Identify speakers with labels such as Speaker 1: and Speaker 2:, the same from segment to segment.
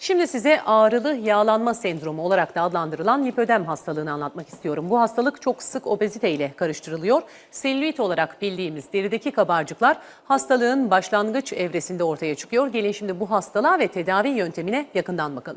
Speaker 1: Şimdi size ağrılı yağlanma sendromu olarak da adlandırılan lipödem hastalığını anlatmak istiyorum. Bu hastalık çok sık obezite ile karıştırılıyor. Selülit olarak bildiğimiz derideki kabarcıklar hastalığın başlangıç evresinde ortaya çıkıyor. Gelin şimdi bu hastalığa ve tedavi yöntemine yakından bakalım.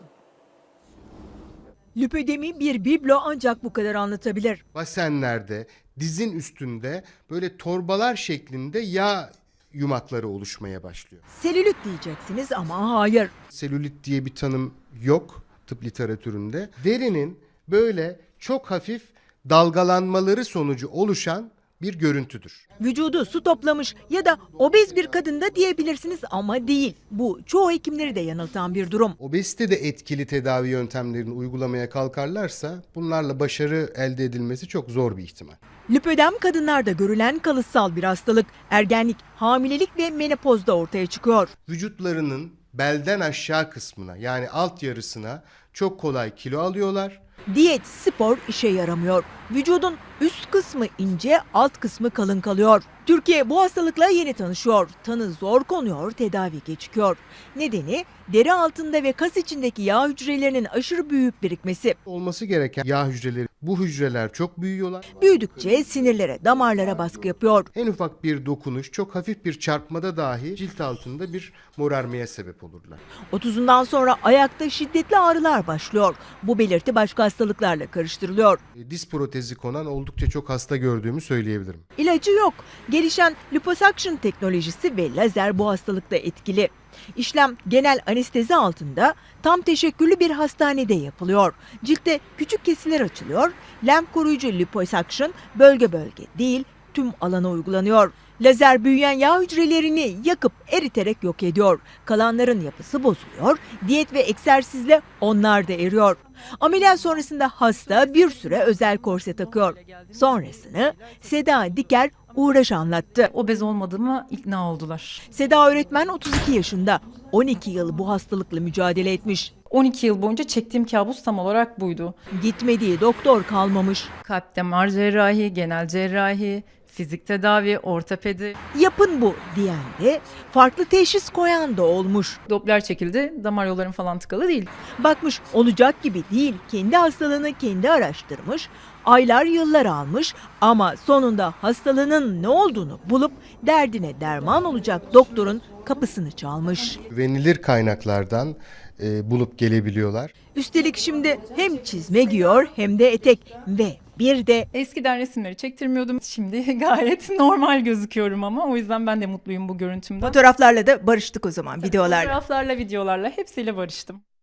Speaker 2: Lipödemi bir biblo ancak bu kadar anlatabilir.
Speaker 3: Basenlerde, dizin üstünde böyle torbalar şeklinde yağ yumakları oluşmaya başlıyor.
Speaker 2: Selülit diyeceksiniz ama hayır.
Speaker 3: Selülit diye bir tanım yok tıp literatüründe. Derinin böyle çok hafif dalgalanmaları sonucu oluşan bir görüntüdür.
Speaker 2: Vücudu su toplamış ya da obez bir kadında diyebilirsiniz ama değil. Bu çoğu hekimleri de yanıltan bir durum.
Speaker 3: Obezite de etkili tedavi yöntemlerini uygulamaya kalkarlarsa bunlarla başarı elde edilmesi çok zor bir ihtimal.
Speaker 2: Lipödem kadınlarda görülen kalıtsal bir hastalık. Ergenlik, hamilelik ve menopozda ortaya çıkıyor.
Speaker 3: Vücutlarının belden aşağı kısmına yani alt yarısına çok kolay kilo alıyorlar.
Speaker 2: Diyet, spor işe yaramıyor. Vücudun üst kısmı ince, alt kısmı kalın kalıyor. Türkiye bu hastalıkla yeni tanışıyor. Tanı zor konuyor, tedavi gecikiyor. Nedeni deri altında ve kas içindeki yağ hücrelerinin aşırı büyük birikmesi.
Speaker 3: Olması gereken yağ hücreleri, bu hücreler çok büyüyorlar.
Speaker 2: Büyüdükçe sinirlere, damarlara baskı yapıyor.
Speaker 3: En ufak bir dokunuş, çok hafif bir çarpmada dahi cilt altında bir morarmaya sebep olurlar.
Speaker 2: 30'undan sonra ayakta şiddetli ağrılar başlıyor. Bu belirti başka hastalıklarla karıştırılıyor.
Speaker 3: Diz protezi konan oldukça çok hasta gördüğümü söyleyebilirim.
Speaker 2: İlacı yok. Gelişen liposuction teknolojisi ve lazer bu hastalıkta etkili. İşlem genel anestezi altında tam teşekküllü bir hastanede yapılıyor. Ciltte küçük kesiler açılıyor. Lenf koruyucu liposuction bölge bölge değil tüm alana uygulanıyor. Lazer büyüyen yağ hücrelerini yakıp eriterek yok ediyor. Kalanların yapısı bozuluyor. Diyet ve egzersizle onlar da eriyor. Ameliyat sonrasında hasta bir süre özel korse takıyor. Sonrasını Seda Diker Uğraş anlattı.
Speaker 4: Obez olmadığıma ikna oldular.
Speaker 2: Seda öğretmen 32 yaşında. 12 yıl bu hastalıkla mücadele etmiş.
Speaker 4: 12 yıl boyunca çektiğim kabus tam olarak buydu.
Speaker 2: Gitmediği doktor kalmamış.
Speaker 4: Kalp damar cerrahi, genel cerrahi, fizik tedavi, ortopedi.
Speaker 2: Yapın bu diyen de farklı teşhis koyan da olmuş.
Speaker 4: Doppler çekildi, damar yollarım falan tıkalı değil.
Speaker 2: Bakmış olacak gibi değil. Kendi hastalığını kendi araştırmış. Aylar yıllar almış ama sonunda hastalığının ne olduğunu bulup derdine derman olacak doktorun kapısını çalmış.
Speaker 3: Güvenilir kaynaklardan bulup gelebiliyorlar.
Speaker 2: Üstelik şimdi hem çizme giyiyor hem de etek ve bir de
Speaker 4: Eskiden resimleri çektirmiyordum. Şimdi gayet normal gözüküyorum ama o yüzden ben de mutluyum bu görüntümden.
Speaker 2: fotoğraflarla da barıştık o zaman videolarla.
Speaker 4: Fotoğraflarla, videolarla hepsiyle barıştım.